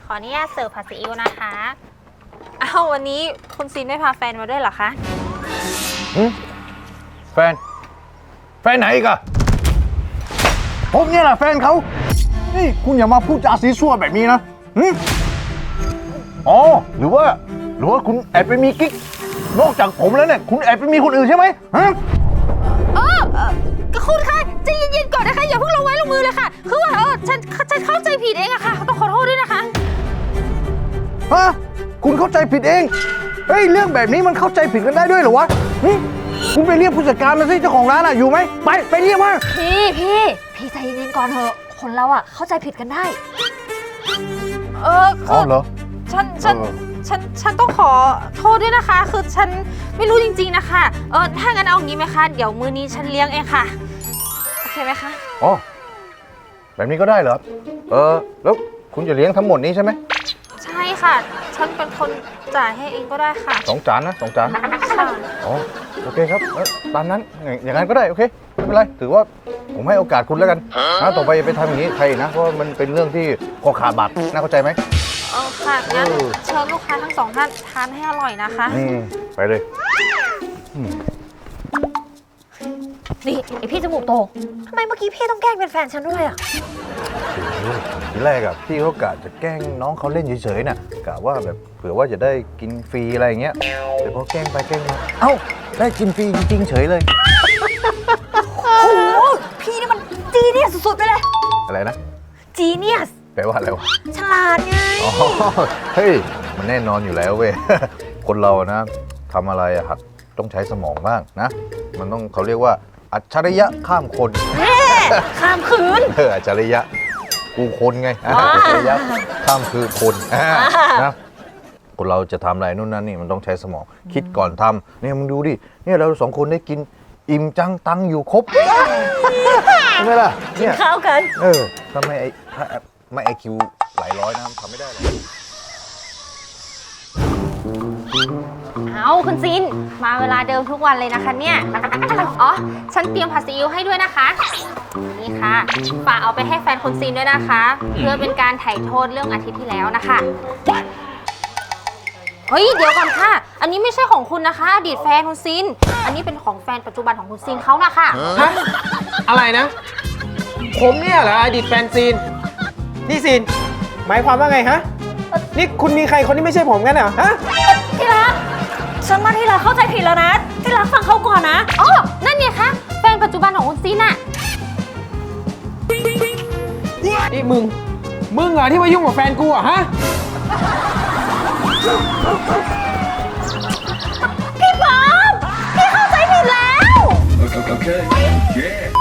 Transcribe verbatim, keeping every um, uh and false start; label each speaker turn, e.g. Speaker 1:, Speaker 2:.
Speaker 1: ขออนุญาตเสิร์ฟผัดซีอิ๊วนะคะอ้าววันนี้คุณซีนไม่พาแฟนมาด้วยเหรอคะ
Speaker 2: อืมแฟนแฟนไหนอีกอะผมเนี่ยแหละแฟนเขานี่คุณอย่ามาพูดจาซีซั่วแบบนี้นะอืมอ๋อหรือว่าหรือว่าคุณแอบไปมีกิ๊กนอกจากผมแล้วเนี่ยคุณแอบไปมีคนอื่นใช่ไหมฮะ
Speaker 1: เออก็คุณคะใจเย็นๆก่อนนะคะอย่าเพิ่งลงไม้ลงมือเลยค่ะคือว่าเออฉันฉันเข้าใจผิดเองอะค่ะต้องขอโทษด้วยนะคะ
Speaker 2: ฮะคุณเข้าใจผิดเองเฮ้ยเรื่องแบบนี้มันเข้าใจผิดกันได้ด้วยเหรอวะคุณไปเรียกผู้จัดการมาสิเจ้าของร้านอะอยู่ไหมไปไปเรียกมา
Speaker 1: พี่พี่พี่ใจเย็นๆก่อนเถอะคนเราอะเข้าใจผิดกันได้เออคือ
Speaker 2: เหรอ
Speaker 1: ฉันฉันฉันฉันต้องขอโทษด้วยนะคะคือฉันไม่รู้จริงๆนะคะเออถ้างั้นเอางี้ไหมคะเดี๋ยวมื้อนี้ฉันเลี้ยงเองค่ะโอเคไหมคะ
Speaker 2: อ๋อแบบนี้ก็ได้เหรอเออแล้วคุณจะเลี้ยงทั้งหมดนี้ใช่ไหม
Speaker 1: ใช่ค่ะฉันเป็นคนจ่ายให้เองก็ได้ค่ะ
Speaker 2: สองจานนะสองจาน
Speaker 1: ค่ะ
Speaker 2: อ๋อโอเคครับตามนั้นอย่างนั้นก็ได้โอเคไม่เป็นไรถือว่าผมให้โอกาสคุณแล้วกันนะต่อไปไปทำอย่างนี้ใครนะเพราะมันเป็นเรื่องที่คอขาดบาดน่าเข้าใจไหม
Speaker 1: เออค่ะงั้นเชิญลูกค้าทั้งสองท่านทานให้อร่อยนะคะ
Speaker 2: อืมไปเลย
Speaker 1: นี่ไอพี่จมูกโตทำไมเมื่อกี้พี่ต้องแกล้งเป็นแฟนฉันด้วยอ่ะ
Speaker 2: ทีแรกอะพี่เขากะจะแกล้งน้องเขาเล่นเฉยๆน่ะกะว่าแบบเผื่อว่าจะได้กินฟรีอะไรอย่างเงี้ยแต่พอแกล้งไปแกล้งมาเอ้าได้กินฟรีจริงๆเฉยเลย
Speaker 1: โอ้โหพี่นี่มันจีเนียสสุดๆไปเลย
Speaker 2: อะไรนะ
Speaker 1: จีเนียส
Speaker 2: แปลว่าอะไรวะ
Speaker 1: ฉลาดไง
Speaker 2: อ๋อเฮ้ยมันแน่นอนอยู่แล้วเว้ยคนเรานะทำอะไรอะครับต้องใช้สมองบ้างนะมันต้องเขาเรียกว่าอัจฉริยะข้ามคน
Speaker 1: ข้ามคืน
Speaker 2: เอออัจฉริยะกูคนไงอัจฉริยะข้ามคือคนนะคนเราจะทำอะไรนู่นนั่นนี่มันต้องใช้สมองคิดก่อนทำเนี่ยมึงดูดิเนี่ยเราสองคนได้กินอิ่มจังตังอยู่ครบใช่ไหมล่ะเนี่ย
Speaker 1: ข้าวกัน
Speaker 2: เออทำไมไอ้ไม่ไอคิวหลายร้อยนะทำไม่ได้หรอก
Speaker 1: เอาคุณซินมาเวลาเดิมทุกวันเลยนะคะเนี่ยอ๋อฉันเตรียมผัดซีอิ๊วให้ด้วยนะคะนี่ค่ะฝากเอาไปให้แฟนคุณซินด้วยนะคะเพื่อเป็นการไถ่โทษเรื่องอาทิตย์ที่แล้วนะคะเฮ้ยเดี๋ยวก่อนค่ะอันนี้ไม่ใช่ของคุณนะคะอดีตแฟนคุณซินอันนี้เป็นของแฟนปัจจุบันของคุณซินเขานะคะ
Speaker 3: ฮะอะไรนะผมเนี่ยเหรออดีตแฟนซินนี่ซินหมายความว่าไงฮะนี่คุณมีใครคนที่ไม่ใช่ผมกันเหรอฮะ
Speaker 1: ที่รักฉันว่าที่รักเข้าใจผิดแล้วนะที่รักฟังเขาก่อนนะอ๋อนั่นไงคะแฟนปัจจุบันของคุณซินอะ
Speaker 3: นี่มึงมึงเหรอที่มายุ่งกับแฟนกูอ่ะฮะ
Speaker 1: พี่ป๊อปพี่เข้าใจผิดแล้ว
Speaker 4: Okay. Yeah.